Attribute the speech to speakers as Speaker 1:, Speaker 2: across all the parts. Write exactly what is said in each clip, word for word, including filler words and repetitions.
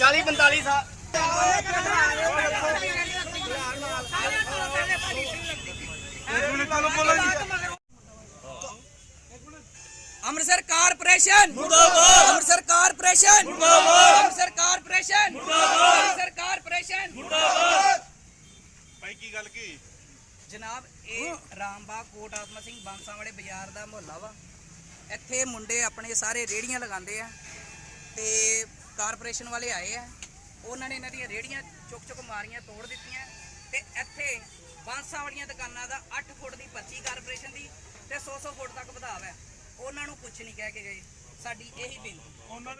Speaker 1: चाली पैंताली साल
Speaker 2: ਅੰਮ੍ਰਿਤਸਰ ਕਾਰਪੋਰੇਸ਼ਨ ਮੁਰਦਾਬਾਦ ਅੰਮ੍ਰਿਤਸਰ ਕਾਰਪੋਰੇਸ਼ਨ ਮੁਰਦਾਬਾਦ ਅੰਮ੍ਰਿਤਸਰ ਕਾਰਪੋਰੇਸ਼ਨ ਮੁਰਦਾਬਾਦ ਅੰਮ੍ਰਿਤਸਰ ਕਾਰਪੋਰੇਸ਼ਨ ਮੁਰਦਾਬਾਦ।
Speaker 3: ਭਾਈ ਕੀ ਗੱਲ ਕੀ
Speaker 2: ਜਨਾਬ ਇਹ ਰਾਮਬਾਗ ਕੋਟ ਆਤਮਾ ਸਿੰਘ ਬਾਂਸਾ ਵਾਲੇ ਬਾਜ਼ਾਰ ਦਾ ਮੁਹੱਲਾ ਵਾ। ਇੱਥੇ ਮੁੰਡੇ ਆਪਣੇ ਸਾਰੇ ਰੇੜੀਆਂ ਲਗਾਉਂਦੇ ਆ ਤੇ ਕਾਰਪੋਰੇਸ਼ਨ ਵਾਲੇ ਆਏ ਆ। ਉਹਨਾਂ ਨੇ ਇਹਨਾਂ ਦੀਆਂ ਰੇੜੀਆਂ ਚੁੱਕ ਚੁੱਕ ਮਾਰੀਆਂ, ਤੋੜ ਦਿੱਤੀਆਂ ਤੇ ਇੱਥੇ ਬਾਂਸਾ ਵਾਲੀਆਂ ਦੁਕਾਨਾਂ ਦਾ ਅੱਠ ਫੁੱਟ ਦੀ ਪਰਚੀ ਕਾਰਪੋਰੇਸ਼ਨ ਦੀ ਤੇ ਸੌ ਸੌ ਫੁੱਟ ਤੱਕ ਵਧਾਵਾ ਹੈ। ਉਹਨਾਂ ਨੂੰ ਕੁਝ ਨਹੀਂ ਕਹਿ ਕੇ ਗਏ। ਸਾਡੀ ਇਹੀ ਬੇਨਤੀ ਉਹਨਾਂ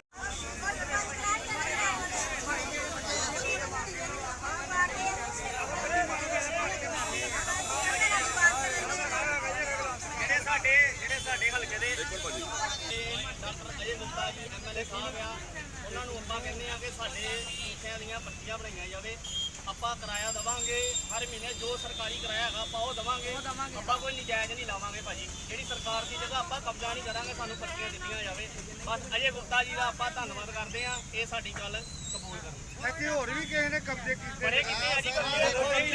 Speaker 1: ਜਿਹੜੇ ਸਾਡੇ ਜਿਹੜੇ ਸਾਡੇ ਹਲਕੇ ਦੇ ਡਾਕਟਰ ਅਜੇ ਗੁਪਤਾ ਜੀ ਐਮਐਲਏ ਸਾਹਿਬ ਆ, ਉਹਨਾਂ ਨੂੰ ਆਪਾਂ ਕਹਿੰਦੇ ਆ ਕਿ ਸਾਡੇ ਕੋਠਿਆਂ ਦੀਆਂ ਪੱਟੀਆਂ ਬਣਾਈਆਂ ਜਾਵੇ। ਆਪਾਂ ਕਿਰਾਇਆ ਦੇਵਾਂਗੇ ਹਰ ਮਹੀਨੇ, ਜੋ ਸਰਕਾਰੀ ਕਿਰਾਇਆ ਹੈਗਾ ਆਪਾਂ ਉਹ ਦੇਵਾਂਗੇ। ਆਪਾਂ ਕੋਈ ਨਜਾਇਜ਼ ਨਹੀਂ ਲਾਵਾਂਗੇ ਭਾਜੀ। ਜਿਹੜੀ ਸਰਕਾਰ ਦੀ ਜਗ੍ਹਾ ਆਪਾਂ ਕਬਜ਼ਾ ਨਹੀਂ ਕਰਾਂਗੇ, ਸਾਨੂੰ ਪੱਟੀਆਂ ਦਿੱਤੀਆਂ ਜਾਵੇ ਬਸ। ਅਜੇ ਗੁਪਤਾ ਜੀ ਦਾ ਆਪਾਂ ਧੰਨਵਾਦ ਕਰਦੇ ਆ, ਇਹ ਸਾਡੀ ਗੱਲ ਕਬੂਲ ਕਰਨ।
Speaker 3: ਇੱਥੇ ਹੋਰ ਵੀ ਕਿਸੇ ਨੇ ਕਬਜ਼ੇ ਕੀਤੇ
Speaker 1: ਬੜੇ ਕੀਤੇ ਆ ਜੀ ਕਬਜ਼ੇ।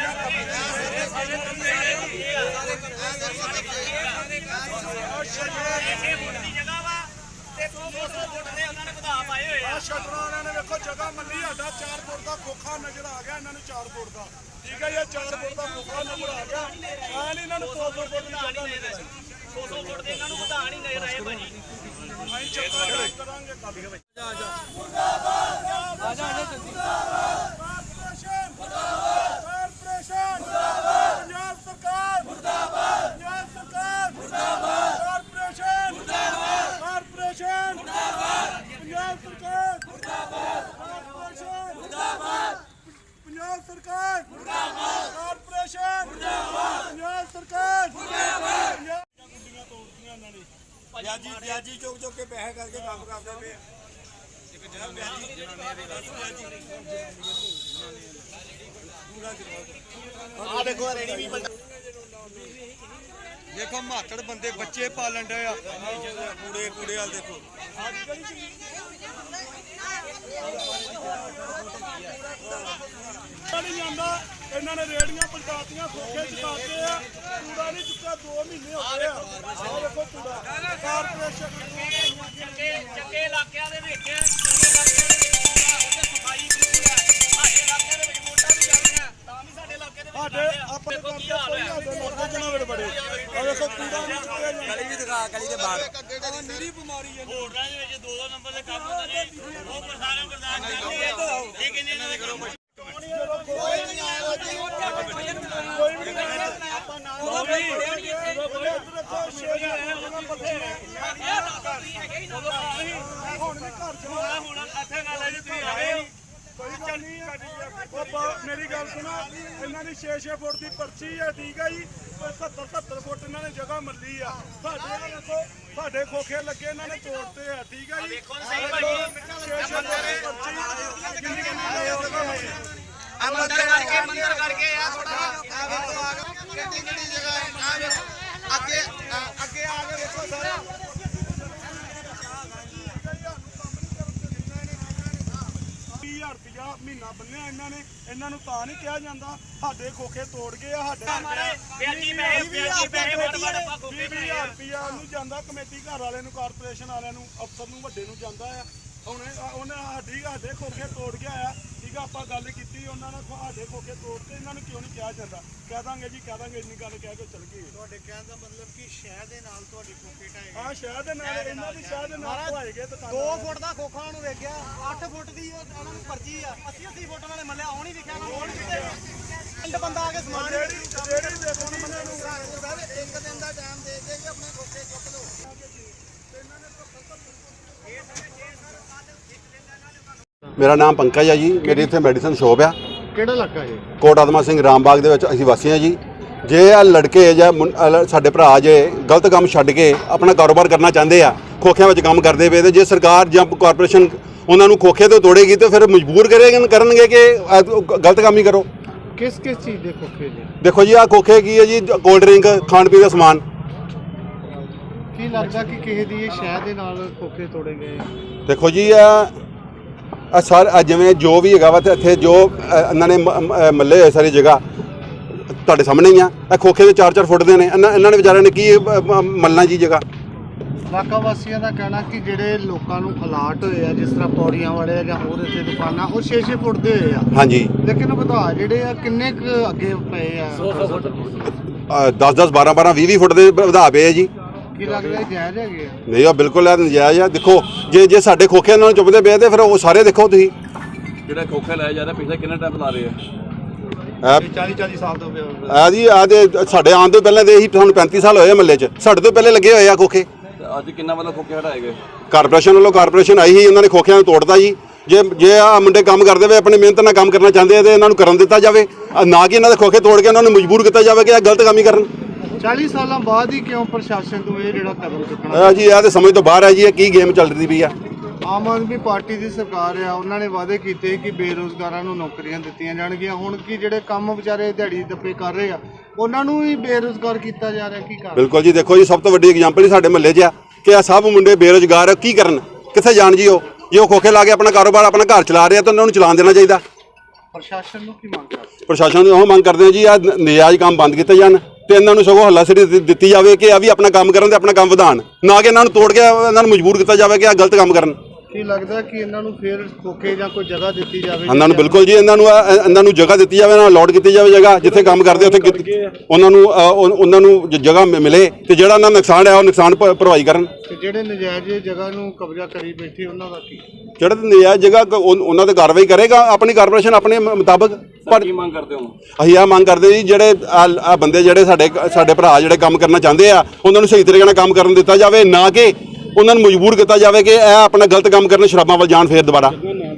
Speaker 1: ਛੇ ਫੁੱਟ ਦੀ ਜਗ੍ਹਾ ਵਾ ਤੇ ਸੌ ਸੌ ਫੁੱਟ ਦੇ ਉਹਨਾਂ ਨੇ ਵਧਾ ਪਾਏ ਹੋਏ ਆ।
Speaker 3: ਸ਼ਟਰਾਂ ਵਾਲਿਆਂ ਨੇ ਵੇਖੋ ਜਗ੍ਹਾ ਮੰਨੀ, ਸਾਡਾ ਚਾਰ ਫੁੱਟ ਦਾ ਖੋਖਾ ਨਜ਼ਰ ਆ ਗਿਆ, ਇਹਨਾਂ ਨੂੰ ਚਾਰ ਫੁੱਟ ਦਾ ਠੀਕ ਹੈ। ਇਹ ਚਾਰ ਫੁੱਟ ਦਾ ਖੋਖਾ ਨਜ਼ਰ ਆ ਗਿਆ, ਐ ਨਹੀਂ ਇਹਨਾਂ ਨੂੰ ਸੌ ਸੌ ਫੁੱਟ ਦੀ ਜਗ੍ਹਾ ਨਜ਼ਰ
Speaker 1: ਸੌ ਸੌ ਫੁੱਟ ਦੇ ਇਹਨਾਂ ਨੂੰ ਵਧਾ ਨਹੀਂ ਨਜ਼ਰ ਆਏ ਭਾਜੀ।
Speaker 3: ਅਸੀਂ ਚੱਕਾ ਕਰਾਂਗੇ ਕੱਲ। ਜਾ ਜਾ
Speaker 2: ਆ ਜਾ ਜਲਦੀ
Speaker 3: ਕਾਰਪੋਰੇਸ਼ਨ ਮੁਰਦਾਬਾਦ, ਕਾਰਪੋਰੇਸ਼ਨ ਮੁਰਦਾਬਾਦ, ਪੰਜਾਬ ਸਰਕਾਰ ਮੁਰਦਾਬਾਦ, ਪੰਜਾਬ ਸਰਕਾਰ ਮੁਰਦਾਬਾਦ, ਕਾਰਪੋਰੇਸ਼ਨ ਮੁਰਦਾਬਾਦ, ਕਾਰਪੋਰੇਸ਼ਨ ਮੁਰਦਾਬਾਦ, ਪੰਜਾਬ ਸਰਕਾਰ ਮੁਰਦਾਬਾਦ, ਕਾਰਪੋਰੇਸ਼ਨ ਮੁਰਦਾਬਾਦ, ਪੰਜਾਬ ਸਰਕਾਰ ਮੁਰਦਾਬਾਦ, ਕਾਰਪੋਰੇਸ਼ਨ ਮੁਰਦਾਬਾਦ, ਪੰਜਾਬ ਸਰਕਾਰ ਮੁਰਦਾਬਾਦ। ਗੁੰਡੀਆਂ ਤੋੜਦੀਆਂ ਇਹਨਾਂ ਨੇ, ਵਿਆਜੀ ਵਿਆਜੀ ਚੁੱਕ ਚੁੱਕ ਕੇ ਪੈਸੇ ਕਰਕੇ ਕੰਮ ਕਰਦੇ ਪਏ ਆ।
Speaker 1: ਆ ਦੇਖੋ ਰੇੜੀ ਵੀ
Speaker 3: ਦੇਖੋ ਮਾਤੜ ਬੰਦੇ ਬੱਚੇ ਪਾਲਣ ਡਏ ਆ, ਕੂੜੇ ਕੂੜੇ ਵਾਲ ਦੇਖੋ। ਨਹੀਂ ਜਾਂਦਾ, ਇਹਨਾਂ ਨੇ ਰੇੜੀਆਂ ਪਲਟਾਤੀਆਂ, ਖੋਖੇ ਚੁਕਾਤੇ ਆ, ਕੂੜਾ ਨਹੀਂ ਚੁੱਕਿਆ, ਦੋ ਮਹੀਨੇ ਹੋ ਗਏ ਆ। ਆਹ ਦੇਖੋ ਕੂੜਾ ਕਾਰਪੋਰੇਸ਼ਨ
Speaker 1: ਚੱਕੇ ਚੱਕੇ ਇਲਾਕਿਆਂ ਦੇ ਵਿੱਚ ਚੰਗੇ ਇਲਾਕਿਆਂ ਦੇ ਵਿੱਚ ਉੱਥੇ ਸਫਾਈ ਬਿਲਕੁਲ ਹੈ। ਸਾਡੇ ਇਲਾਕੇ ਦੇ ਵਿੱਚ ਵੋਟਾਂ ਵੀ ਜਾਂਦੀਆਂ ਤਾਂ ਵੀ ਸਾਡੇ ਇਲਾਕੇ ਦੇ ਵਿੱਚ
Speaker 3: ਸਾਡੇ ਆਪਣੇ ਕੰਮ ਤੇ ਕੋਈ ਸਾਡੇ ਲੋਕਾਂ ਜਨਾਵਰ ਬੜੇ ਆ। ਦੇਖੋ ਕੂੜਾ ਨਹੀਂ ਚੁੱਕਿਆ ਜਾਂਦਾ,
Speaker 2: ਗਲੀ ਵੀ ਦਿਖਾ, ਗਲੀ ਦੇ ਬਾਹਰ
Speaker 3: ਨਿਰੀ ਬਿਮਾਰੀ ਹੈ।
Speaker 1: ਹੋਟਲਾਂ ਦੇ ਵਿੱਚ ਦੋ ਦੋ ਨੰਬਰ ਦੇ ਕੰਮ ਹੁੰਦੇ ਨੇ, ਉਹ ਪ੍ਰਸਾਰਣ ਪ੍ਰਦਾਨ ਕਰਦੇ ਆ। ਇਹ ਕਿੰਨੇ ਇਹਨਾਂ ਦੇ ਕੰਮ
Speaker 3: ਕੋਈ ਨਹੀਂ ਆਇਆ ਜੀ, ਕੋਈ ਵੀ ਨਹੀਂ ਆਪਾਂ ਨਾਲ ਹੁਣ ਵੀ ਘਰ ਚਲਾ
Speaker 1: ਹੁਣ ਇੱਥੇ ਗੱਲ ਹੈ ਜੀ, ਤੁਸੀਂ ਆਏ
Speaker 3: ਕੋਈ ਗੱਲ ਨਹੀਂ ਹੈ। ਮੇਰੀ ਗੱਲ ਸੁਣੋ, ਇਹਨਾਂ ਦੀ ਛੇ ਛੇ ਫੁੱਟ ਦੀ ਪਰਚੀ ਹੈ ਠੀਕ ਹੈ ਜੀ, ਸੱਤਰ ਸੱਤਰ ਫੁੱਟ ਇਹਨਾਂ ਨੇ ਜਗ੍ਹਾ ਮੱਲੀ ਆ। ਸਾਡੇ ਆ ਦੇਖੋ, ਸਾਡੇ ਖੋਖੇ ਲੱਗੇ ਇਹਨਾਂ ਨੇ ਤੋੜਤੇ ਆ ਠੀਕ ਹੈ ਜੀ।
Speaker 1: ਦੇਖੋ ਸਹੀ ਭਾਜੀ,
Speaker 3: ਛੇ ਛੇ ਫੁੱਟ ਦੀ ਪਰਚੀ ਕਿੰਨੀ ਕਿੰਨੀ ਜਗ੍ਹਾ ਮੱਲੀ
Speaker 1: ਆ ਮੰਦਰ ਕਰਕੇ ਮੰਦਰ ਕਰਕੇ ਆ ਥੋੜਾ
Speaker 3: ਆ ਵੇਖੋ ਆ ਕਿੰਨੀ ਕਿੰਨੀ ਜਗ੍ਹਾ ਆ ਵੇਖੋ, ਅੱਗੇ ਅੱਗੇ ਆ ਕੇ ਵੇਖੋ ਸਾਰਾ ਵੀਹ ਹਜ਼ਾਰ ਰੁਪਇਆ ਮਹੀਨਾ ਬੰਨਿਆ ਇਹਨਾਂ ਨੇ। ਇਹਨਾਂ ਨੂੰ ਤਾਂ ਨਹੀਂ ਕਿਹਾ ਜਾਂਦਾ ਸਾਡੇ ਖੋਖੇ ਤੋੜ ਗਏ ਆ। ਸਾਡੇ
Speaker 1: ਵਿਆਜੀ ਪੈਸੇ ਵਿਆਜੀ ਪੈਸੇ ਵੜ ਵੜ ਆਪਾਂ
Speaker 3: ਵੀਹ
Speaker 1: ਖੋਕੇ
Speaker 3: ਵੀਹ ਹਜ਼ਾਰ ਰੁਪਇਆ ਨੂੰ ਜਾਂਦਾ ਕਮੇਟੀ ਘਰ ਵਾਲੇ ਨੂੰ, ਕਾਰਪੋਰੇਸ਼ਨ ਵਾਲਿਆਂ ਨੂੰ, ਅਫਸਰ ਨੂੰ, ਵੱਡੇ ਨੂੰ ਜਾਂਦਾ ਆ। ਹੁਣ ਉਹਨੇ ਸਾਡੀ ਸਾਡੇ ਖੋਖੇ ਤੋੜ ਗਿਆ ਆ ਠੀਕ ਆ। ਆਪਾਂ ਗੱਲ ਕੀਤੀ ਉਹਨਾਂ ਨੇ ਸਾਡੇ ਖੋਖੇ ਤੋੜ ਤੇ, ਇਹਨਾਂ ਨੂੰ ਕਿਉਂ ਨਹੀਂ ਕਿਹਾ ਜਾਂਦਾ? ਕਹਿ ਦਾਂਗੇ ਜੀ, ਕਹਿ ਦਾਂਗੇ, ਇੰਨੀ ਗੱਲ ਕਹਿ ਕੇ ਚਲ ਗਏ।
Speaker 4: ਤੁਹਾਡੇ ਕਹਿਣ ਦਾ ਮਤਲਬ ਕਿ ਸ਼ਹਿਰ ਦੇ ਨਾਲ ਤੁਹਾਡੀ ਖੋਖੇ ਢਾਏ
Speaker 3: ਹਾਂ ਸ਼ਹਿਰ ਦੇ ਨਾਲ, ਇਹਨਾਂ ਦੀ ਸ਼ਹਿਰ ਦੇ ਨਾਲ ਢਾਏ ਗਏ ਦੁਕਾਨਾਂ।
Speaker 4: ਦੋ ਫੁੱਟ ਦਾ ਖੋਖਾ ਉਹਨੂੰ ਵੇਖਿਆ, ਅੱਠ ਫੁੱਟ ਦੀ ਉਹਨਾਂ ਨੂੰ ਪਰਚੀ ਆ, ਅੱਸੀ ਅੱਸੀ ਫੁੱਟ ਉਹਨਾਂ ਨੇ ਮੱਲਿਆ, ਉਹ ਨਹੀਂ ਵਿਖਿਆ ਪਿੰਡ ਬੰਦਾ ਆ ਕੇ ਸਮਾਨ
Speaker 3: ਜਿਹੜੀ ਜਿਹੜੀ ਦੇਖੋ ਨਾ ਮੈਨੂੰ
Speaker 4: ਸਰ ਇੱਕ ਦਿਨ ਦਾ ਟਾਈਮ ਦੇ ਦੇ ਕਿ ਆਪਣੇ ਖੋਖੇ ਚੁੱਕ ਲਓ।
Speaker 5: ਮੇਰਾ ਨਾਮ ਪੰਕਜ ਹੈ ਜੀ, ਮੇਰੀ ਇੱਥੇ ਮੈਡੀਸਨ ਸ਼ੋਪ ਆ।
Speaker 4: ਕਿਹੜਾ ਇਲਾਕਾ ਹੈ?
Speaker 5: ਕੋਟ ਆਤਮਾ ਸਿੰਘ ਰਾਮਬਾਗ ਦੇ ਵਿੱਚ ਅਸੀਂ ਵਾਸੀ ਹਾਂ ਜੀ। ਜੇ ਆ ਲੜਕੇ ਜਾਂ ਸਾਡੇ ਭਰਾ ਜੇ ਗਲਤ ਕੰਮ ਛੱਡ ਕੇ ਆਪਣਾ ਕਾਰੋਬਾਰ ਕਰਨਾ ਚਾਹੁੰਦੇ ਆ, ਖੋਖਿਆਂ ਵਿੱਚ ਕੰਮ ਕਰਦੇ ਪਏ, ਤੇ ਜੇ ਸਰਕਾਰ ਜਾਂ ਕਾਰਪੋਰੇਸ਼ਨ ਉਹਨਾਂ ਨੂੰ ਖੋਖੇ ਤੋਂ ਤੋੜੇਗੀ ਤਾਂ ਫਿਰ ਮਜਬੂਰ ਕਰੇਗੇ ਕਰਨਗੇ ਕਿ ਗਲਤ ਕੰਮ ਹੀ ਕਰੋ।
Speaker 4: ਕਿਸ ਕਿਸ ਚੀਜ਼ ਦੇ ਖੋਖੇ ਜੀ?
Speaker 5: ਦੇਖੋ ਜੀ, ਆ ਖੋਖੇ ਕੀ ਹੈ ਜੀ, ਕੋਲਡ ਡਰਿੰਕ, ਖਾਣ ਪੀਣ ਦਾ ਸਮਾਨ।
Speaker 4: ਕੀ ਲੱਗਦਾ ਕਿ ਕਿਸੇ ਦੀ ਇਹ ਸ਼ਹਿਰ ਦੇ ਨਾਲ ਖੋਖੇ ਤੋੜੇ ਗਏ?
Speaker 5: ਦੇਖੋ ਜੀ, ਆ ਆ ਸਾਰ ਆਹ ਜਿਵੇਂ ਜੋ ਵੀ ਹੈਗਾ ਵਾ ਤੇ ਇੱਥੇ ਜੋ ਅ, ਇਹਨਾਂ ਨੇ ਮ- ਮ- ਮੱਲੇ ਹੋਏ ਸਾਰੀ ਜਗ੍ਹਾ ਤੁਹਾਡੇ ਸਾਹਮਣੇ ਹੀ ਆ। ਇਹ ਖੋਖੇ ਦੇ ਚਾਰ ਚਾਰ ਫੁੱਟ ਦੇ ਨੇ, ਇਹਨਾਂ ਇਹਨਾਂ ਨੇ ਵਿਚਾਰਿਆਂ ਨੇ ਕੀ ਅ, ਮ- ਮੱਲਣਾ ਜੀ ਜਗ੍ਹਾ।
Speaker 3: ਇਲਾਕਾ ਵਾਸੀਆਂ ਦਾ ਕਹਿਣਾ ਕਿ ਜਿਹੜੇ ਲੋਕਾਂ ਨੂੰ ਅਲਾਟ ਹੋਏ ਆ ਜਿਸ ਤਰ੍ਹਾਂ ਪੌੜੀਆਂ ਵਾਲੇ ਜਾਂ ਹੋਰ ਇੱਥੇ ਦੁਕਾਨਾਂ ਉਹ ਛੇ ਛੇ ਫੁੱਟ ਦੇ ਹੋਏ ਆ,
Speaker 5: ਹਾਂਜੀ
Speaker 3: ਲੇਕਿਨ ਵਧਾ ਜਿਹੜੇ ਆ ਕਿੰਨੇ ਕੁ ਅੱਗੇ ਪਏ ਆ?
Speaker 5: ਦਸ ਦਸ ਬਾਰਾਂ ਬਾਰਾਂ ਵੀਹ ਵੀਹ ਫੁੱਟ ਦੇ ਵਧਾ ਪਏ ਆ ਜੀ।
Speaker 3: ਕੀ ਲੱਗਦਾ ਜਾਇਜ਼ ਹੈਗੇ ਆ?
Speaker 5: ਨਹੀਂ ਉਹ ਬਿਲਕੁਲ ਇਹ ਨਜਾਇਜ਼ ਆ। ਦੇਖੋ ਜੇ ਜੇ ਸਾਡੇ ਖੋਖੇ ਨਾਲ ਚੁੱਪਦੇ ਪਏ ਤੇ ਫਿਰ ਉਹ ਸਾਰੇ ਦੇਖੋ ਤੁਸੀਂ
Speaker 6: ਜਿਹੜਾ ਖੋਖਾ ਲਾਇਆ ਜਾ ਰਿਹਾ ਪਿਛਲੇ ਕਿੰਨਾ ਟਾਈਮ ਲਾ ਰਹੇ ਆ?
Speaker 5: ਇਹ
Speaker 3: ਚਾਲੀ ਚਾਲੀ ਸਾਲ ਤੋਂ ਪਿਆ
Speaker 5: ਆ ਜੀ ਆ ਦੇ ਸਾਡੇ ਆਉਣ ਤੋਂ ਪਹਿਲਾਂ ਦੇ ਇਹੀ ਸਾਨੂੰ ਪੈਂਤੀ ਸਾਲ ਹੋਏ ਆ ਮਹੱਲੇ 'ਚ, ਸਾਡੇ ਤੋਂ ਪਹਿਲੇ ਲੱਗੇ ਹੋਏ ਆ ਖੋਖੇ।
Speaker 6: ਤੇ ਅੱਜ ਕਿੰਨਾ ਮਤਲਬ ਖੋਖੇ ਹਟਾਏ ਗਏ?
Speaker 5: ਕਾਰਪੋਰੇਸ਼ਨ ਵੱਲੋਂ ਕਾਰਪੋਰੇਸ਼ਨ ਆਈ ਸੀ, ਉਹਨਾਂ ਨੇ ਖੋਖਿਆਂ ਨੂੰ ਤੋੜਤਾ ਜੀ। ਜੇ ਜੇ ਆ ਮੁੰਡੇ ਕੰਮ ਕਰਦੇ ਵੇ ਆਪਣੀ ਮਿਹਨਤ ਨਾਲ ਕੰਮ ਕਰਨਾ ਚਾਹੁੰਦੇ ਆ ਤੇ ਇਹਨਾਂ ਨੂੰ ਕਰਨ ਦਿੱਤਾ ਜਾਵੇ, ਆਹ ਨਾ ਕਿ ਇਹਨਾਂ ਦੇ ਖੋਖੇ ਤੋੜ ਕੇ ਉਹਨਾਂ ਨੂੰ ਮਜਬੂਰ ਕੀਤਾ ਜਾਵੇ ਕਿ ਇਹ ਗਲਤ ਕੰਮ ਹੀ ਕਰਨ।
Speaker 3: ਚਾਲੀ ਸਾਲਾਂ ਬਾਅਦ ਹੀ ਕਿਉਂ ਪ੍ਰਸ਼ਾਸਨ ਤੋਂ ਇਹ ਜਿਹੜਾ ਕਦਮ ਚੁੱਕਣਾ?
Speaker 5: ਇਹ ਜੀ ਇਹ ਤੇ ਸਮਝ ਤੋਂ ਬਾਹਰ ਹੈ ਜੀ, ਇਹ ਕੀ ਗੇਮ ਚੱਲਦੀ ਪਈ ਆ।
Speaker 3: ਆਮ ਆਦਮੀ ਪਾਰਟੀ ਦੀ ਸਰਕਾਰ ਆ, ਉਹਨਾਂ ਨੇ ਵਾਅਦੇ ਕੀਤੇ ਕਿ ਬੇਰੁਜ਼ਗਾਰਾਂ ਨੂੰ ਨੌਕਰੀਆਂ ਦਿੱਤੀਆਂ ਜਾਣਗੀਆਂ। ਹੁਣ ਕੀ ਜਿਹੜੇ ਕੰਮ ਵਿਚਾਰੇ ਦਿਹਾੜੀ ਦੱਪੇ ਕਰ ਰਹੇ ਆ ਉਹਨਾਂ ਨੂੰ ਹੀ ਬੇਰੁਜ਼ਗਾਰ ਕੀਤਾ ਜਾ ਰਿਹਾ, ਕੀ ਕਾਰਨ?
Speaker 5: ਬਿਲਕੁਲ ਜੀ, ਦੇਖੋ ਜੀ ਸਭ ਤੋਂ ਵੱਡੀ ਐਗਜ਼ਾਮਪਲ ਹੀ ਸਾਡੇ ਮਹੱਲੇ 'ਚ ਆ ਕਿ ਇਹ ਸਭ ਮੁੰਡੇ ਬੇਰੁਜ਼ਗਾਰ ਆ, ਕੀ ਕਰਨ, ਕਿੱਥੇ ਜਾਣ ਜੀ? ਉਹ ਜੇ ਉਹ ਖੋਖੇ ਲਾ ਕੇ ਆਪਣਾ ਕਾਰੋਬਾਰ ਆਪਣਾ ਘਰ ਚਲਾ ਰਹੇ ਆ ਤਾਂ ਉਹਨਾਂ ਨੂੰ ਚਲਾਉਣ ਦੇਣਾ ਚਾਹੀਦਾ।
Speaker 3: ਪ੍ਰਸ਼ਾਸਨ ਨੂੰ ਕੀ ਮੰਗ ਕਰਦੇ?
Speaker 5: ਪ੍ਰਸ਼ਾਸਨ ਨੂੰ ਉਹ ਮੰਗ ਕਰਦੇ ਆ ਜੀ ਆ ਨਜਾਇਜ਼ ਕੰਮ ਬੰਦ ਕੀਤੇ ਜਾਣ ਤੇ ਇਹਨਾਂ ਨੂੰ ਸਗੋਂ ਹੱਲਾਸ਼ੇਰੀ ਦਿੱ- ਦਿੱਤੀ ਜਾਵੇ ਕਿ ਇਹ ਵੀ ਆਪਣਾ ਕੰਮ ਕਰਨ ਤੇ ਆਪਣਾ ਕੰਮ ਵਧਾਉਣ, ਨਾ ਕਿ ਇਹਨਾਂ ਨੂੰ ਤੋੜ ਕੇ ਇਹਨਾਂ ਨੂੰ ਮਜਬੂਰ ਕੀਤਾ ਜਾਵੇ ਕਿ ਇਹ ਗਲਤ ਕੰਮ ਕਰਨ।
Speaker 3: ਕੀ ਲੱਗਦਾ ਕਿ ਇਹਨਾਂ ਨੂੰ ਫੇਰ ਖੋਖੇ ਜਾਂ ਕੋਈ ਜਗ੍ਹਾ ਦਿੱਤੀ ਜਾਵੇ?
Speaker 5: ਇਹਨਾਂ ਨੂੰ ਬਿਲਕੁਲ ਜੀ ਇਹਨਾਂ ਨੂੰ ਇਹ- ਇਹਨਾਂ ਨੂੰ ਜਗ੍ਹਾ ਦਿੱਤੀ ਜਾਵੇ, ਨਾ ਅਲਾਟ ਕੀਤੀ ਜਾਵੇ ਜਗ੍ਹਾ ਜਿੱਥੇ ਕੰਮ ਕਰਦੇ ਉੱਥੇ ਕਿ- ਉਹਨਾਂ ਨੂੰ ਅ, ਉਹ- ਉਹਨਾਂ ਨੂੰ ਜ- ਜਗ੍ਹਾ ਮਿ- ਮਿਲੇ ਤੇ ਜਿਹੜਾ ਉਹਨਾਂ ਦਾ ਨੁਕਸਾਨ ਹੈ ਉਹ ਨੁਕਸਾਨ ਭ- ਭਰਵਾਈ ਕਰਨ।
Speaker 3: ਤੇ ਜਿਹੜੇ ਨਜਾਇਜ਼ ਜਗ੍ਹਾ ਨੂੰ ਕਬਜ਼ਾ ਕਰੀ ਬੈਠੇ ਉਹਨਾਂ ਦਾ ਕੀ?
Speaker 5: ਜਿਹੜਾ ਤੇ ਨਜਾਇਜ਼ ਜਗ੍ਹਾ ਕ- ਉਹ- ਉਹਨਾਂ ਤੇ ਕਾਰਵਾਈ ਕਰੇਗਾ ਆਪਣੀ ਕਾਰਪੋਰੇਸ਼ਨ ਆਪਣੇ ਮ- ਮੁਤਾਬਕ। ਪਰ
Speaker 6: ਕੀ ਮੰਗ ਕਰਦੇ ਹੋ?
Speaker 5: ਅਸੀਂ ਇਹ ਮੰਗ ਕਰਦੇ ਜੀ ਜਿਹੜੇ ਆ ਬੰਦੇ ਜਿਹੜੇ ਸਾਡੇ ਸਾਡੇ ਭਰਾ ਜਿਹੜੇ ਕੰਮ ਕਰਨਾ ਚਾਹੁੰਦੇ ਆ ਉਹਨਾਂ ਨੂੰ ਸਹੀ ਤਰੀਕੇ ਨਾਲ ਕੰਮ ਕਰਨ ਦਿੱਤਾ ਜਾਵੇ, ਨਾ ਕਿ ਉਹਨਾਂ ਨੂੰ ਮਜਬੂਰ ਕੀਤਾ ਜਾਵੇ ਕਿ ਇਹ ਆਪਣਾ ਗਲਤ ਕੰਮ ਕਰਨ, ਸ਼ਰਾਬਾਂ ਵੱਲ ਜਾਣ ਫੇਰ ਦੁਬਾਰਾ।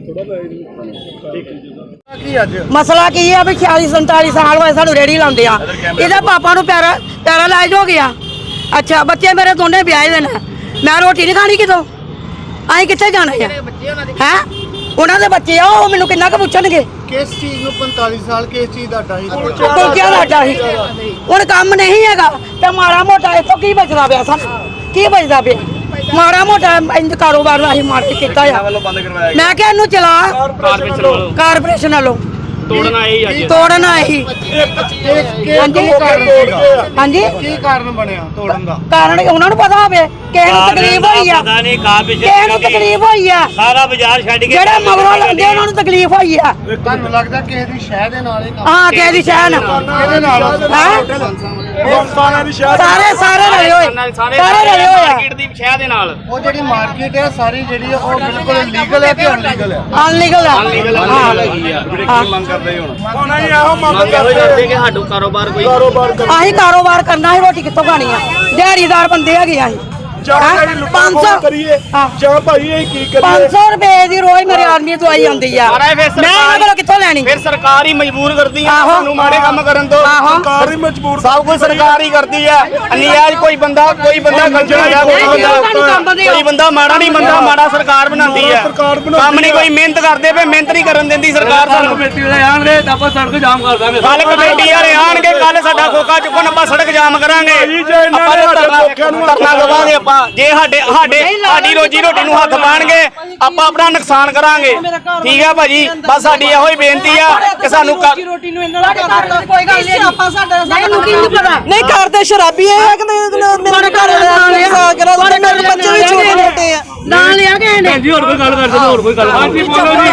Speaker 3: ਕੀ ਅੱਜ
Speaker 7: ਮਸਲਾ ਕੀ ਹੈ ਵੀ ਛਿਆਲੀ ਸੰਤਾਲੀ ਸਾਲ ਹੋਏ ਸਾਨੂੰ ਰੇੜੀ ਲਾਉਂਦੇ ਆ। ਇਹਦੇ ਪਾਪਾ ਨੂੰ ਪੈਰਾ ਪੈਰਾਲਾਈਜ਼ ਹੋ ਗਿਆ। ਅੱਛਾ ਬੱਚੇ ਮੇਰੇ ਦੋਨੇ ਵਿਆਹੇ ਦੇ ਨੇ, ਮੈਂ ਰੋਟੀ ਨਹੀਂ ਖਾਣੀ ਕਿਤੋਂ, ਅਸੀਂ ਕਿੱਥੇ ਜਾਣਾ ਹੈ? ਹੈ ਉਹਨਾਂ ਦੇ ਬੱਚੇ ਆ, ਉਹ ਮੈਨੂੰ ਕਿੰਨਾ ਕੁ ਪੁੱਛਣਗੇ?
Speaker 3: ਕਿਸ ਚੀਜ਼ ਨੂੰ ਪੰਤਾਲੀ ਸਾਲ ਕਿਸ ਚੀਜ਼ ਦਾ ਡਾਈ?
Speaker 7: ਕੁਲਚਿਆਂ ਦਾ ਅੱਡਾ ਸੀ। ਹੁਣ ਕੰਮ ਨਹੀਂ ਹੈਗਾ ਤੇ ਮਾੜਾ ਮੋਟਾ ਇੱਥੋਂ ਕੀ ਬਚਦਾ ਪਿਆ ਸਾਨੂੰ? ਕੀ ਬਚਦਾ ਪਿਆ? ਮਾੜਾ ਮੋਟਾ ਇੰਜ ਕਾਰੋਬਾਰ ਅਸੀਂ ਮਾੜਾ ਕੀਤਾ ਆ।
Speaker 6: ਵੱਲੋਂ ਬੰਦ ਕਰਵਾਇਆ
Speaker 7: ਮੈਂ ਕਿਹਾ ਇਹਨੂੰ ਚਲਾ ਕਾਰਪੋਰੇਸ਼ਨ ਵੱਲੋਂ
Speaker 1: ਤੋੜਨਾ ਇਹ ਅੱਜ
Speaker 7: ਤੋੜਨ ਆਏ ਸੀ। ਹਾਂਜੀ ਹਾਂਜੀ
Speaker 3: ਕੀ ਕਾਰਨ ਬਣਿਆ ਤੋੜਨ ਦਾ?
Speaker 7: ਕਾਰਨ ਉਹਨਾਂ ਨੂੰ ਪਤਾ ਹੋਵੇ ਕਿਸੇ ਨੂੰ ਤਕਲੀਫ ਹੋਈ ਆ,
Speaker 1: ਪਤਾ ਨਹੀਂ ਕਾਬਿਸ਼
Speaker 7: ਕਿਸੇ ਨੂੰ ਤਕਲੀਫ ਹੋਈ ਆ,
Speaker 1: ਸਾਰਾ ਬਾਜ਼ਾਰ ਛੱਡ ਕੇ
Speaker 7: ਜਿਹੜੇ ਮਗਰੋਂ ਲੰਦੇ ਉਹਨਾਂ ਨੂੰ ਤਕਲੀਫ ਹੋਈ ਆ।
Speaker 3: ਤੁਹਾਨੂੰ ਲੱਗਦਾ ਕਿਸੇ ਦੀ ਸ਼ਹਿ ਦੇ ਨਾਲ ਹੀ ਕੰਮ?
Speaker 7: ਹਾਂ ਕਿਸੇ ਦੀ ਸ਼ਹਿ ਨਾ
Speaker 3: ਕਿਹਦੇ ਨਾਲ?
Speaker 7: ਹੈਂ?
Speaker 3: ਸਾਰਿਆਂ ਦੀ ਸ਼ਹਿ।
Speaker 7: ਸਾਰੇ ਸਾਰੇ ਰਲੇ ਹੋਏ ਸਾਰੇ ਰਲੇ ਹੋਏ ਆ।
Speaker 1: ਮਾਰਕੀਟ ਦੀ ਸ਼ਹਿ ਦੇ ਨਾਲ
Speaker 3: ਉਹ ਜਿਹੜੀ ਮਾਰਕੀਟ ਹੈ ਸਾਰੀ ਜਿਹੜੀ ਉਹ ਬਿਲਕੁਲ ਲੀਗਲ ਹੈ ਕਿ ਅਨਲੀਗਲ ਹੈ?
Speaker 7: ਅਨਲੀਗਲ ਆ। ਹਾਂ
Speaker 6: ਕੀ ਮੰਗ ਕਰਦੇ ਹੋ ਹੁਣ?
Speaker 1: ਮੰਗ ਇਹੋ ਕਰਦੇ ਕਿ ਸਾਡੂ ਕਾਰੋਬਾਰ ਕੋਈ
Speaker 7: ਅਸੀਂ ਕਾਰੋਬਾਰ ਕਰਨਾ ਹੈ, ਰੋਟੀ ਕਿੱਥੋਂ ਖਾਣੀ ਆ? ਦਿਹਾੜੀਦਾਰ ਬੰਦੇ ਹੈਗੇ ਅਸੀਂ। ਪੰਜ ਸੌ ਕਰੀਏ
Speaker 3: ਜਾਂ ਭਾਈ ਇਹ ਕੀ
Speaker 7: ਪੰਜ ਸੌ ਰੁਪਏ ਦੀ ਰੋਜ਼ ਮੇਰੇ ਆਦਮੀ ਦਵਾਈ ਆਉਂਦੀ ਆ।
Speaker 1: ਸਾਰਾ ਇਹ ਫਿਰ
Speaker 7: ਮੈਂ ਇਹਨਾਂ ਕੋਲੋਂ ਕਿੱਥੋਂ ਲੈਣੀ?
Speaker 1: ਫਿਰ ਸਰਕਾਰ ਹੀ ਮਜਬੂਰ ਕਰਦੀ ਹੈ
Speaker 7: ਆਹੋ।
Speaker 1: ਸਾਨੂੰ ਮਾੜੇ ਕੰਮ ਕਰਨ ਤੋਂ।
Speaker 7: ਆਹੋ।
Speaker 3: ਸਰਕਾਰ ਹੀ ਮਜਬੂਰ
Speaker 1: ਸਭ ਕੁਝ ਸਰਕਾਰ ਹੀ ਕਰਦੀ ਹੈ। ਅਨਿਆਜ ਕੋਈ ਬੰਦਾ ਕੋਈ ਬੰਦਾ ਗਲਤ ਹੋ ਗਿਆ, ਕੋਈ ਬੰਦਾ ਕੋਈ ਬੰਦਾ ਮਾੜਾ ਨਹੀਂ ਬੰਦਾ ਮਾੜਾ ਸਰਕਾਰ ਬਣਾਉਂਦੀ ਹੈ। ਕੰਮ ਨਹੀਂ ਕੋਈ ਮਿਹਨਤ ਕਰਦੇ ਪਏ, ਮਿਹਨਤ ਨਹੀਂ ਕਰਨ ਦਿੰਦੀ ਸਰਕਾਰ ਸਾਨੂੰ।
Speaker 6: ਕਮੇਟੀ ਵਾਲੇ ਆਣਗੇ ਤਾਂ ਆਪਾਂ ਸੜਕ ਜਾਮ ਕਰ ਦਾਂਗੇ।
Speaker 1: ਕੱਲ ਕਮੇਟੀ ਵਾਲੇ ਆਣਗੇ, ਕੱਲ ਸਾਡਾ ਖੋਖਾ ਚੁੱਕਣ ਆਪਾਂ ਸੜਕ ਜਾਮ ਕਰਾਂਗੇ। ਆਪਾਂ ਧਰਨਾ ਦੇਵਾਂਗੇ ਆਪਾਂ। ਜੇ ਸਾਡੇ ਸਾਡੇ ਸਾਡੀ ਰੋਜੀ ਰੋਟੀ ਨੂੰ ਹੱਥ ਪਾਣਗੇ ਆਪਾਂ ਆਪਣਾ ਨੁਕਸਾਨ ਕਰਾਂਗੇ। ਠੀਕ ਹੈ ਭਾਜੀ, ਬਸ ਸਾਡੀ ਇਹੋ ਹੀ ਬੇਨਤੀ ਆ ਕਿ ਸਾਨੂੰ ਕ-
Speaker 7: ਰੋਟੀ ਨੂੰ ਇਹਨਾਂ ਦਾ ਕੋਈ ਗੱਲ ਨਹੀਂ। ਆਪਾਂ ਸਾਡਾ ਸਾਨੂੰ ਕੀ ਪਤਾ ਨਹੀਂ ਕਰਦੇ ਸ਼ਰਾਬੀ ਇਹ ਕਿ ਮੇਰੇ ਘਰ ਦੇ ਆ ਕੇ ਰਾਤ ਮੇਰੇ ਬੱਚੇ ਵੀ ਛੋਟੇ ਛੋਟੇ ਆ ਨਾਲ ਲਿਆ ਗਏ ਨੇ।
Speaker 6: ਜੀ ਹੋਰ ਕੋਈ ਗੱਲ ਕਰਦੇ ਹੋਰ ਕੋਈ ਗੱਲ ਹਾਂਜੀ ਬੋਲੋ ਜੀ।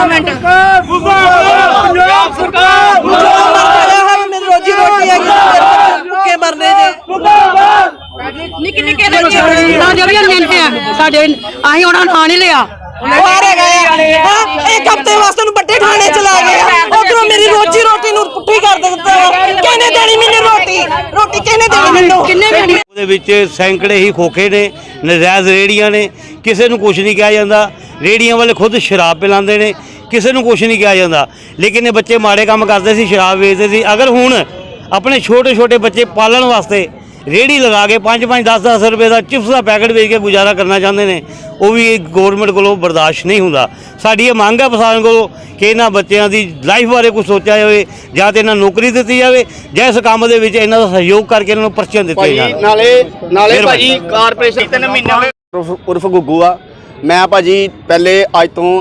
Speaker 3: ਪੰਜਾਬ ਸਰਕਾਰ
Speaker 7: ਮੇਰੀ ਰੋਜੀ ਰੋਟੀ ਹੈਗੀ ਭੁੱਖੇ ਮਰਨੇ ਜੇ ਨਿੱਕੇ ਨਿੱਕੇ ਬੱਚੇ ਨਾ ਜਿਹੜੀਆਂ ਮਿਲਦੇ ਆ ਸਾਡੇ ਅਸੀਂ ਉਹਨਾਂ ਨਾਂ ਨਹੀਂ ਲਿਆ। ਬਾਹਰ ਗਏ ਹਾਂ ਇੱਕ ਹਫ਼ਤੇ ਵਾਸਤੇ ਨੂੰ ਵੱਡੇ ਥਾਣੇ ਚਲਾ ਗਏ ਉਧਰੋਂ ਮੇਰੀ ਰੋਜੀ ਰੋਟੀ ਨੂੰ ਪੁੱਠੀ ਕਰ ਦਿੱਤਾ। ਕਿਹਨੇ ਦੇਣੀ ਮੈਨੂੰ ਰੋਟੀ? ਰੋਟੀ ਕਿਹਨੇ ਦੇਣੀ ਮੈਨੂੰ? ਕਿੰਨੇ ਦੇਣੀ?
Speaker 8: ਉਹਦੇ ਵਿੱਚ ਸੈਂਕੜੇ ਹੀ ਖੋਖੇ ਨੇ, ਨਜਾਇਜ਼ ਰੇੜੀਆਂ ਨੇ, ਕਿਸੇ ਨੂੰ ਕੁਝ ਨਹੀਂ ਕਿਹਾ ਜਾਂਦਾ। ਰੇੜੀਆਂ ਵਾਲੇ ਖੁਦ ਸ਼ਰਾਬ ਪਿਲਾਉਂਦੇ ਨੇ, ਕਿਸੇ ਨੂੰ ਕੁਝ ਨਹੀਂ ਕਿਹਾ ਜਾਂਦਾ। ਲੇਕਿਨ ਇਹ ਬੱਚੇ ਮਾੜੇ ਕੰਮ ਕਰਦੇ ਸੀ, ਸ਼ਰਾਬ ਵੇਚਦੇ ਸੀ। ਅਗਰ ਹੁਣ ਆਪਣੇ ਛੋਟੇ ਛੋਟੇ ਬੱਚੇ ਪਾਲਣ ਵਾਸਤੇ ਰੇੜੀ ਲਗਾ ਕੇ ਪੰਜ ਪੰਜ ਦਸ ਦਸ ਰੁਪਏ ਦਾ ਚਿਪਸ ਦਾ ਪੈਕਟ ਵੇਚ ਕੇ ਗੁਜ਼ਾਰਾ ਕਰਨਾ ਚਾਹੁੰਦੇ ਨੇ, ਉਹ ਵੀ ਗੌਰਮੈਂਟ ਕੋਲੋਂ ਬਰਦਾਸ਼ਤ ਨਹੀਂ ਹੁੰਦਾ। ਸਾਡੀ ਇਹ ਮੰਗ ਹੈ ਪ੍ਰਸ਼ਾਸਨ ਕੋਲੋਂ ਕਿ ਇਹਨਾਂ ਬੱਚਿਆਂ ਦੀ ਲਾਈਫ ਬਾਰੇ ਕੁਝ ਸੋਚਿਆ ਜਾਵੇ, ਜਾਂ ਤਾਂ ਇਹਨਾਂ ਨੂੰ ਨੌਕਰੀ ਦਿੱਤੀ ਜਾਵੇ, ਜਾਂ ਇਸ ਕੰਮ ਦੇ ਵਿੱਚ ਇਹਨਾਂ ਦਾ ਸਹਿਯੋਗ ਕਰਕੇ ਇਹਨਾਂ ਨੂੰ ਪਰਚੀਆਂ ਦਿੱਤੀਆਂ ਜਾਣ।
Speaker 1: ਨਾਲੇ ਨਾਲੇ ਭਾਜੀ ਕਾਰਪੋਰੇਸ਼ਨ ਤਿੰਨ ਮਹੀਨੇ ਹੋਏ
Speaker 9: ਉਰਫ ਉਰਫ ਗੁੱਗੂ ਆ। ਮੈਂ ਭਾਜੀ ਪਹਿਲੇ ਅੱਜ ਤੋਂ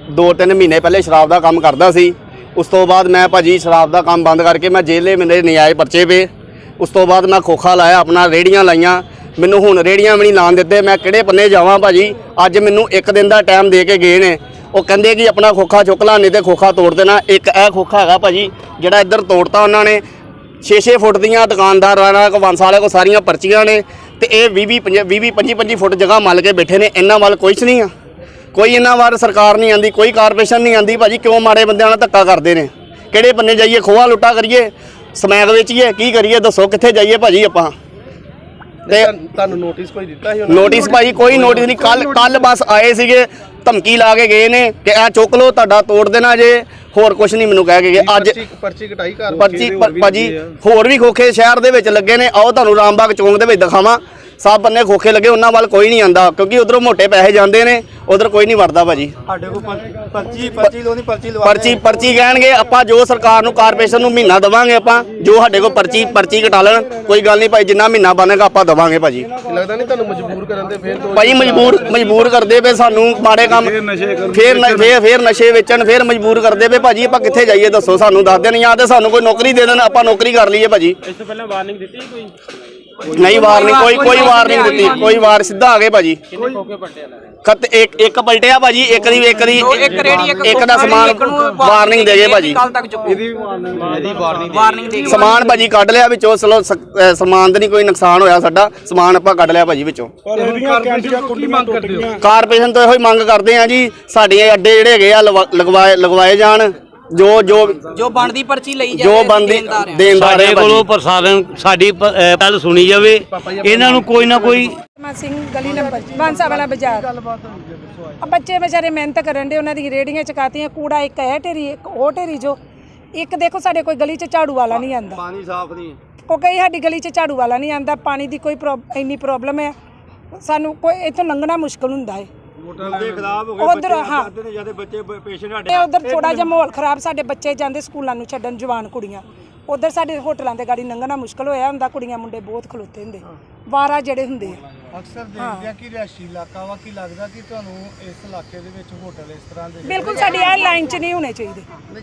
Speaker 1: ਦੋ ਤਿੰਨ ਮਹੀਨੇ ਪਹਿਲੇ ਸ਼ਰਾਬ ਦਾ ਕੰਮ ਕਰਦਾ ਸੀ। ਉਸ ਤੋਂ ਬਾਅਦ ਮੈਂ ਭਾਜੀ ਸ਼ਰਾਬ ਦਾ ਕੰਮ ਬੰਦ ਕਰਕੇ ਮੈਂ ਜੇਲੇ ਮੇਰੇ ਨਜਾਇਜ਼ ਪਰਚੇ ਪਏ। ਉਸ ਤੋਂ ਬਾਅਦ ਮੈਂ ਖੋਖਾ ਲਾਇਆ, ਆਪਣਾ ਰੇੜੀਆਂ ਲਾਈਆਂ। ਮੈਨੂੰ ਹੁਣ ਰੇੜੀਆਂ ਵੀ ਨਹੀਂ ਲਾਣ ਦਿੱਤੇ। ਮੈਂ ਕਿਹੜੇ ਪੰਨੇ ਜਾਵਾਂ ਭਾਜੀ? ਅੱਜ ਮੈਨੂੰ ਇੱਕ ਦਿਨ ਦਾ ਟਾਈਮ ਦੇ ਕੇ ਗਏ ਨੇ। ਉਹ ਕਹਿੰਦੇ ਕਿ ਆਪਣਾ ਖੋਖਾ ਚੁੱਕ ਲਾ, ਨਹੀਂ ਤੇ ਖੋਖਾ ਤੋੜ ਦੇਣਾ। ਇੱਕ ਇਹ ਖੋਖਾ ਹੈਗਾ ਭਾਜੀ ਜਿਹੜਾ ਇੱਧਰ ਤੋੜਤਾ ਉਹਨਾਂ ਨੇ। ਛੇ ਛੇ ਫੁੱਟ ਦੀਆਂ ਦੁਕਾਨਦਾਰਾਂ ਕੋ ਵੰਸ ਵਾਲੇ ਕੋ ਸਾਰੀਆਂ ਪਰਚੀਆਂ ਨੇ ਤੇ ਇਹ ਵੀਹ ਵੀਹ ਵੀਹ ਪੰਜੀ ਪੰਜੀ ਫੁੱਟ ਜਗ੍ਹਾ ਮੱਲ ਕੇ ਬੈਠੇ ਨੇ। ਇਹਨਾਂ ਵੱਲ ਕੁਛ ਨਹੀਂ ਆ, ਕੋਈ ਇਹਨਾਂ ਵੱਲ ਸਰਕਾਰ ਨਹੀਂ ਆਂਦੀ, ਕੋਈ ਕਾਰਪੋਰੇਸ਼ਨ ਨਹੀਂ ਆਂਦੀ। ਭਾਜੀ ਕਿਉਂ ਮਾੜੇ ਬੰਦਿਆਂ ਨਾਲ ਧੱਕਾ ਕਰਦੇ ਨੇ? ਕਿਹੜੇ ਬੰਨੇ ਜਾਈਏ? ਖੋਆ ਲੁੱਟਾ ਕਰੀਏ, ਸਮੈਕ ਵੇਚੀਏ, ਕੀ ਕਰੀਏ? ਦੱਸੋ ਕਿੱਥੇ ਜਾਈਏ ਭਾਜੀ ਆਪਾਂ? ਤੇ
Speaker 3: ਤੁਹਾਨੂੰ ਨੋਟਿਸ ਕੋਈ ਦਿੱਤਾ ਸੀ
Speaker 1: ਨੋਟਿਸ ਭਾਜੀ ਕੋਈ ਨੋਟਿਸ ਨਹੀਂ। ਕੱਲ ਕੱਲ ਬਸ ਆਏ ਸੀਗੇ, ਧਮਕੀ ਲਾ ਕੇ ਗਏ ਨੇ ਕਿ ਇਹ ਚੁੱਕ ਲਓ, ਤੁਹਾਡਾ ਤੋੜ ਦੇਣਾ ਜੇ। ਹੋਰ ਕੁਝ ਨਹੀਂ ਮੈਨੂੰ ਕਹਿ ਕੇ ਗਏ। ਅੱਜ
Speaker 3: ਪਰਚੀ ਕਟਾਈ ਕਰ
Speaker 1: ਪਰਚੀ ਭਾਜੀ ਹੋਰ ਵੀ ਖੋਖੇ ਸ਼ਹਿਰ ਦੇ ਵਿੱਚ ਲੱਗੇ ਨੇ। ਆਓ ਤੁਹਾਨੂੰ ਰਾਮਬਾਗ ਚੌਂਕ ਦੇ ਵਿੱਚ ਦਿਖਾਵਾਂ। ਸਭ ਬੰਨੇ ਖੋਖੇ ਲੱਗੇ, ਉਹਨਾਂ ਵੱਲ ਕੋਈ ਨਹੀਂ ਆਂਦਾ ਕਿਉਂਕਿ ਉਧਰੋਂ ਮੋਟੇ ਪੈਸੇ ਜਾਂਦੇ ਨੇ, ਉਧਰ ਕੋਈ ਨਹੀਂ ਵੜਦਾ ਭਾਜੀ।
Speaker 3: ਸਾਡੇ ਕੋਲ ਪਰਚੀ ਪਰਚੀ ਲੋਨੀ ਪਰਚੀ ਲਵਾ
Speaker 1: ਪਰਚੀ ਪਰਚੀ ਕਹਿਣਗੇ। ਆਪਾਂ ਜੋ ਸਰਕਾਰ ਨੂੰ ਕਾਰਪੋਰੇਸ਼ਨ ਨੂੰ ਮਹੀਨਾ ਦੇਵਾਂਗੇ, ਆਪਾਂ ਜੋ ਸਾਡੇ ਕੋਲ ਪਰਚੀ ਪਰਚੀ ਕਟਾ ਲੈਣ, ਕੋਈ ਗੱਲ ਨਹੀਂ ਭਾਈ। ਜਿੰਨਾ ਮਹੀਨਾ ਬਣੇਗਾ ਆਪਾਂ ਦੇਵਾਂਗੇ ਭਾਜੀ।
Speaker 3: ਲੱਗਦਾ ਨਹੀਂ ਤੁਹਾਨੂੰ ਮਜਬੂਰ ਕਰਨ ਦੇ ਫੇਰ
Speaker 1: ਭਾਜੀ ਮਜਬੂਰ ਮਜਬੂਰ ਕਰਦੇ ਪਏ ਸਾਨੂੰ ਮਾੜੇ ਕੰਮ, ਫੇਰ ਫੇਰ ਫੇਰ ਨਸ਼ੇ ਵੇਚਣ, ਫੇਰ ਮਜਬੂਰ ਕਰਦੇ ਪਏ ਭਾਜੀ। ਆਪਾਂ ਕਿੱਥੇ ਜਾਈਏ ਦੱਸੋ? ਸਾਨੂੰ ਦੱਸ ਦੇਣ ਜਾਂ ਤੇ ਸਾਨੂੰ ਕੋਈ ਨੌਕਰੀ ਦੇ ਦੇਣ, ਆਪਾਂ ਨੌਕਰੀ ਕਰ ਲਈਏ ਭਾਜੀ।
Speaker 3: ਇਸ ਤੋਂ ਪਹਿਲਾਂ ਵਾਰਨਿੰਗ ਦਿੱਤੀ ਕੋਈ?
Speaker 1: ਨਹੀਂ ਵਾਰਨਿੰਗ ਕੋਈ ਕੋਈ ਵਾਰਨਿੰਗ ਦਿੱਤੀ, ਕੋਈ ਵਾਰ ਸਿੱਧਾ ਆ ਗਏ ਭਾਜੀ। ਖਤ ਇੱਕ ਇੱਕ ਪਲਟਿਆ ਭਾਜੀ, ਇੱਕ ਦੀ ਇੱਕ ਦੀ
Speaker 2: ਇੱਕ ਰੇੜੀ
Speaker 1: ਇੱਕ ਦਾ ਸਮਾਨ ਵਾਰਨਿੰਗ ਦੇ ਗਏ ਭਾਜੀ।
Speaker 2: ਕੱਲ ਤੱਕ ਚੁੱਕੋ। ਇਹਦੀ ਵਾਰਨਿੰਗ ਵਾਰਨਿੰਗ ਦੇ
Speaker 1: ਸਮਾਨ ਭਾਜੀ ਕੱਢ ਲਿਆ ਵਿੱਚੋਂ। ਚਲੋ ਸ- ਅਹ ਸਮਾਨ ਤੇ ਨਹੀਂ ਕੋਈ ਨੁਕਸਾਨ ਹੋਇਆ ਸਾਡਾ, ਸਮਾਨ ਆਪਾਂ ਕੱਢ ਲਿਆ ਭਾਜੀ ਵਿੱਚੋਂ। ਕਾਰਪੋਰੇਸ਼ਨ ਤੋਂ ਇਹੋ ਹੀ ਮੰਗ ਕਰਦੇ ਆ ਜੀ, ਸਾਡੇ ਅੱਡੇ ਜਿਹੜੇ ਹੈਗੇ ਆ ਲਵਾ- ਲਗਵਾਏ ਲਗਵਾਏ ਜਾਣ। ਜੋ ਜੋ
Speaker 2: ਜੋ ਬਣਦੀ ਪਰਚੀ ਲਈ ਜਾਵੇ,
Speaker 1: ਜੋ ਬੰਦੀ ਦੇਣਦਾਰ
Speaker 8: ਸਾਡੇ
Speaker 1: ਹੈ
Speaker 8: ਕੋਲੋਂ
Speaker 1: ਭਾਜੀ।
Speaker 8: ਪ੍ਰਸ਼ਾਸਨ ਸਾਡੀ ਪ- ਅਹ ਗੱਲ ਸੁਣੀ ਜਾਵੇ। ਇਹਨਾਂ ਨੂੰ ਕੋਈ ਨਾ ਕੋਈ
Speaker 9: ਮਾ ਸਿੰਘ ਗਲੀ ਨੰਬਰ ਬਾਂਸਾ ਵਾਲਾ ਬਾਜ਼ਾਰ। ਆ ਬੱਚੇ ਵਿਚਾਰੇ ਮਿਹਨਤ ਕਰਨ ਦੇ, ਉਹਨਾਂ ਦੀ ਰੇੜੀਆਂ ਚਕਾਤੀਆਂ। ਕੂੜਾ ਇੱਕ ਹੈ ਢੇਰੀ, ਇੱਕ ਉਹ ਢੇਰੀ। ਜੋ ਇੱਕ ਦੇਖੋ ਸਾਡੇ ਕੋਈ ਗਲੀ 'ਚ ਝਾੜੂ ਵਾਲਾ ਨਹੀਂ ਆਂਦਾ,
Speaker 3: ਪਾਣੀ ਸਾਫ਼ ਨਹੀਂ
Speaker 9: ਉਹ ਕਈ ਸਾਡੀ ਗਲੀ 'ਚ ਝਾੜੂ ਵਾਲਾ ਨਹੀਂ ਆਂਦਾ। ਪਾਣੀ ਦੀ ਕੋਈ ਪ੍ਰੋਬ- ਇੰਨੀ ਪ੍ਰੋਬਲਮ ਹੈ, ਸਾਨੂੰ ਕੋਈ ਇੱਥੋਂ ਲੰਘਣਾ ਮੁਸ਼ਕਲ ਹੁੰਦਾ ਹੈ। ਉਧਰ ਹਾਂ ਉਧਰ ਥੋੜਾ ਜਿਹਾ ਮਾਹੌਲ ਖਰਾਬ, ਸਾਡੇ ਬੱਚੇ ਜਾਂਦੇ ਸਕੂਲਾਂ ਨੂੰ ਛੱਡਣ, ਜਵਾਨ ਕੁੜੀਆਂ। ਉਧਰ ਸਾਡੇ ਹੋਟਲਾਂ ਦੇ ਗਾੜੀ ਲੰਘਣਾ ਮੁਸ਼ਕਲ ਹੋਇਆ ਹੁੰਦਾ, ਕੁੜੀਆਂ ਮੁੰਡੇ ਬਹੁਤ ਖਲੋਤੇ ਹੁੰਦੇ, ਵਾਰਾ ਜਿਹੜੇ ਹੁੰਦੇ ਆ।
Speaker 3: ਅਕਸਰ ਦੇਖਦੇ ਆ ਕਿ ਰਿਹਾਇਸ਼ੀ ਇਲਾਕਾ ਵਾ, ਕੀ ਲੱਗਦਾ ਕਿ ਤੁਹਾਨੂੰ ਇਸ ਇਲਾਕੇ ਦੇ ਵਿੱਚ ਹੋਟਲ ਇਸ ਤਰ੍ਹਾਂ ਦੇ
Speaker 9: ਬਿਲਕੁਲ ਸਾਡੀ ਇਹ ਲਾਈਨ 'ਚ ਨਹੀਂ ਹੋਣੇ ਚਾਹੀਦੇ।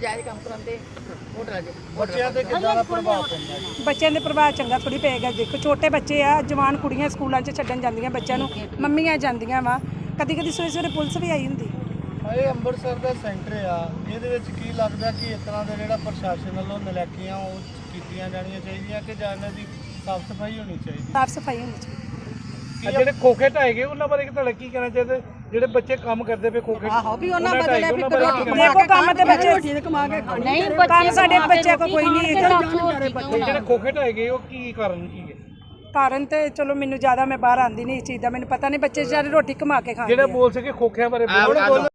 Speaker 3: ਬੱਚਿਆਂ ਤੇ ਕਿੰਨਾ ਦਾ ਪ੍ਰਭਾਵ ਪੈਂਦਾ ਹੈ?
Speaker 9: ਬੱਚਿਆਂ ਦੇ ਪ੍ਰਭਾਵ ਚੰਗਾ ਥੋੜੀ ਪਏਗਾ। ਦੇਖੋ ਛੋਟੇ ਬੱਚੇ ਆ, ਜਵਾਨ ਕੁੜੀਆਂ ਸਕੂਲਾਂ 'ਚ ਛੱਡਣ ਜਾਂਦੀਆਂ ਬੱਚਿਆਂ ਨੂੰ, ਮੰਮੀਆਂ ਜਾਂਦੀਆਂ ਵਾ, ਕਦੀ ਕਦੀ ਸਵੇਰੇ ਸਵੇਰੇ ਪੁਲਿਸ ਵੀ ਆਈ ਹੁੰਦੀ।
Speaker 3: ਇਹ ਅੰਮ੍ਰਿਤਸਰ ਦਾ ਸੈਂਟਰ ਆ, ਇਹਦੇ ਵਿੱਚ ਕੀ ਲੱਗਦਾ ਕਿ ਇਸ ਤਰ੍ਹਾਂ ਦਾ ਜਿਹੜਾ ਪ੍ਰਸ਼ਾਸਨ ਵੱਲੋਂ ਨਲਾਇਕੀਆਂ ਉਹ ਕੀਤੀਆਂ ਜਾਣੀਆਂ ਚਾਹੀਦੀਆਂ ਕਿ ਜਾਂ ਇਹਨਾਂ ਦੀ ਸਾਫ਼ ਸਫਾਈ ਹੋਣੀ ਚਾਹੀਦੀ?
Speaker 9: ਸਾਫ ਸਫਾਈ ਹੋਣੀ ਚਾਹੀਦੀ।
Speaker 3: ਜਿਹੜੇ ਖੋਖੇ ਢਾਏ ਗਏ ਉਹਨਾਂ ਬਾਰੇ ਤੁਹਾਡਾ ਕੀ ਕਹਿਣਾ ਚਾਹੀਦਾ? ਜਿਹੜੇ ਬੱਚੇ ਕੰਮ ਕਰਦੇ ਪਏ ਖੋਖੇ
Speaker 9: ਆਹੋ ਵੀ ਉਹਨਾਂ ਬਦਲੇ ਵੀ ਦੇਖੋ ਕੰਮ ਤੇ ਬੱਚੇ ਕਮਾ ਕੇ ਖਾਣੇ ਨਹੀਂ, ਕੰਮ ਸਾਡੇ ਬੱਚਿਆਂ ਕੋ ਕੋਈ ਨਹੀਂ ਹੈਗਾ।
Speaker 3: ਜਿਹੜੇ ਖੋਖੇ ਢਾਏ ਗਏ ਉਹ ਕੀ ਕਾਰਨ ਕੀ ਹੈ?
Speaker 9: ਕਾਰਨ ਤੇ ਚਲੋ ਮੈਨੂੰ ਜ਼ਿਆਦਾ ਮੈਂ ਬਾਹਰ ਆਂਦੀ ਨਹੀਂ ਇਸ ਚੀਜ਼ ਦਾ, ਮੈਨੂੰ ਪਤਾ ਨਹੀਂ। ਬੱਚੇ ਵਿਚਾਰੇ ਰੋਟੀ ਕਮਾ ਕੇ ਖਾਂਦੇ
Speaker 3: ਜਿਹੜੇ
Speaker 9: ਆ।
Speaker 3: ਬੋਲ ਸਕੇ ਖੋਖਿਆਂ ਬਾਰੇ ਬੋਲੋ।